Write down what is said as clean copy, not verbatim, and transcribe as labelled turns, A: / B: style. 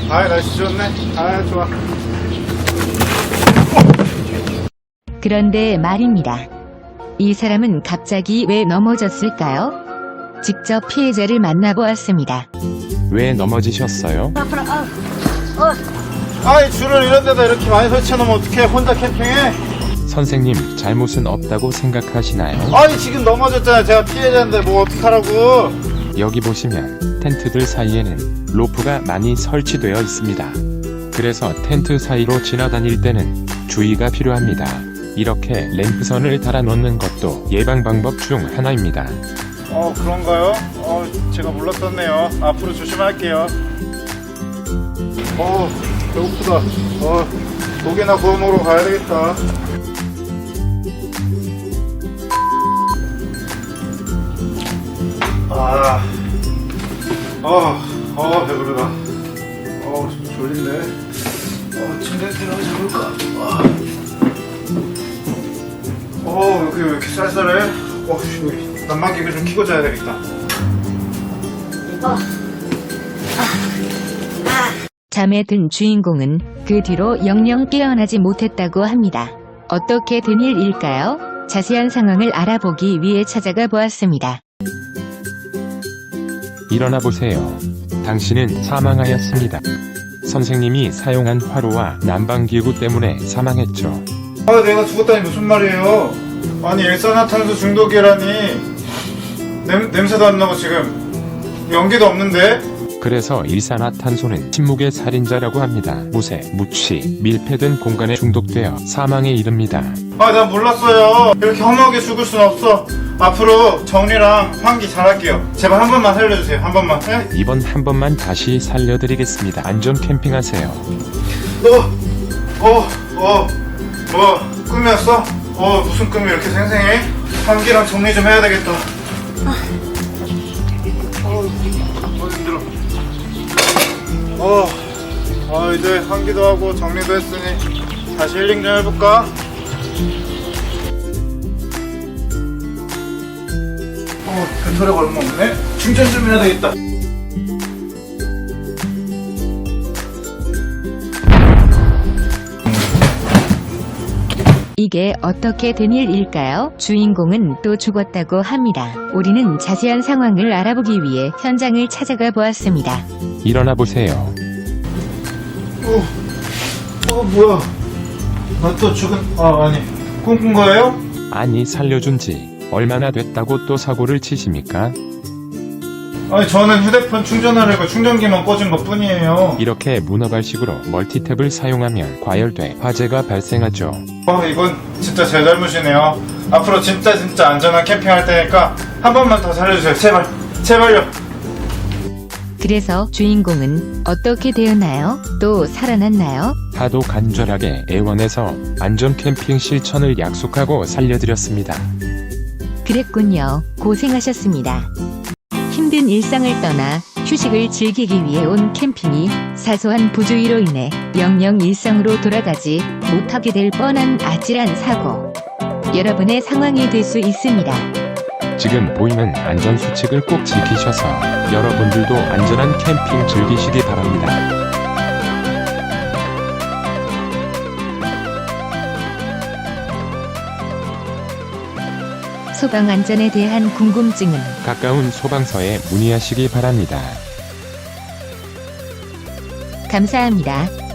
A: 아, 날씨 좋네. 아, 좋아.
B: 그런데 말입니다. 이 사람은 갑자기 왜 넘어졌을까요? 직접 피해자를 만나보았습니다.
C: 왜 넘어지셨어요?
A: 아이, 줄을 이런 데다 이렇게 많이 설치해놓으면 어떡해. 혼자 캠핑해?
C: 선생님, 잘못은 없다고 생각하시나요?
A: 아니, 지금 넘어졌잖아요. 제가 피해자인데 뭐 어떡하라고.
C: 여기 보시면 텐트들 사이에는 로프가 많이 설치되어 있습니다. 그래서 텐트 사이로 지나다닐 때는 주의가 필요합니다. 이렇게 램프선을 달아 놓는 것도 예방 방법 중 하나입니다.
A: 그런가요? 제가 몰랐었네요. 앞으로 조심할게요. 배고프다. 고기나 구워 먹으러 가야 되겠다. 배부르다. 졸린데. 침대 들어가 잡을까? 여기 왜 이렇게 쌀쌀해? 여기 난방기를 좀 켜고 자야 되겠다.
B: 잠에 든 주인공은 그 뒤로 영영 깨어나지 못했다고 합니다. 어떻게 된 일일까요? 자세한 상황을 알아보기 위해 찾아가 보았습니다.
C: 일어나 보세요. 당신은 사망하였습니다. 선생님이 사용한 화로와 난방기구 때문에 사망했죠.
A: 내가 죽었다니 무슨 말이에요? 아니, 일산화탄소 중독이라니. 냄새도 안 나고 지금 연기도 없는데?
C: 그래서 일산화탄소는 침묵의 살인자라고 합니다. 무쇠, 무취, 밀폐된 공간에 중독되어 사망에 이릅니다.
A: 난 몰랐어요. 이렇게 허무하게 죽을 순 없어. 앞으로 정리랑 환기 잘할게요. 제발 한 번만 살려주세요. 한 번만. 네?
C: 이번 한 번만 다시 살려드리겠습니다. 안전 캠핑하세요.
A: 뭐 꿈이었어? 무슨 꿈이 이렇게 생생해? 환기랑 정리 좀 해야 되겠다. 힘들어. 이제 환기도 하고 정리도 했으니 다시 힐링 좀 해볼까? 배터리가 얼마 없네? 충전 좀 해야 되겠다.
B: 이게 어떻게 된 일일까요? 주인공은 또 죽었다고 합니다. 우리는 자세한 상황을 알아보기 위해 현장을 찾아가 보았습니다.
C: 일어나 보세요.
A: 뭐야? 나 또 죽은, 아니, 꿈꾼 거예요?
C: 아니, 살려준 지 얼마나 됐다고 또 사고를 치십니까?
A: 아니, 저는 휴대폰 충전하려고 충전기만 꽂은 것 뿐이에요.
C: 이렇게 문어발식으로 멀티탭을 사용하면 과열돼 화재가 발생하죠.
A: 이건 진짜 제 잘못이네요. 앞으로 진짜 안전한 캠핑할 테니까 한 번만 더 살려주세요. 제발요.
B: 그래서 주인공은 어떻게 되었나요? 또 살아났나요?
C: 하도 간절하게 애원해서 안전 캠핑 실천을 약속하고 살려드렸습니다.
B: 그랬군요. 고생하셨습니다. 힘든 일상을 떠나 휴식을 즐기기 위해 온 캠핑이 사소한 부주의로 인해 영영 일상으로 돌아가지 못하게 될 뻔한 아찔한 사고. 여러분의 상황이 될 수 있습니다.
C: 지금 보이는 안전수칙을 꼭 지키셔서 여러분들도 안전한 캠핑 즐기시기 바랍니다.
B: 소방 안전에 대한 궁금증은
C: 가까운 소방서에 문의하시기 바랍니다.
B: 감사합니다.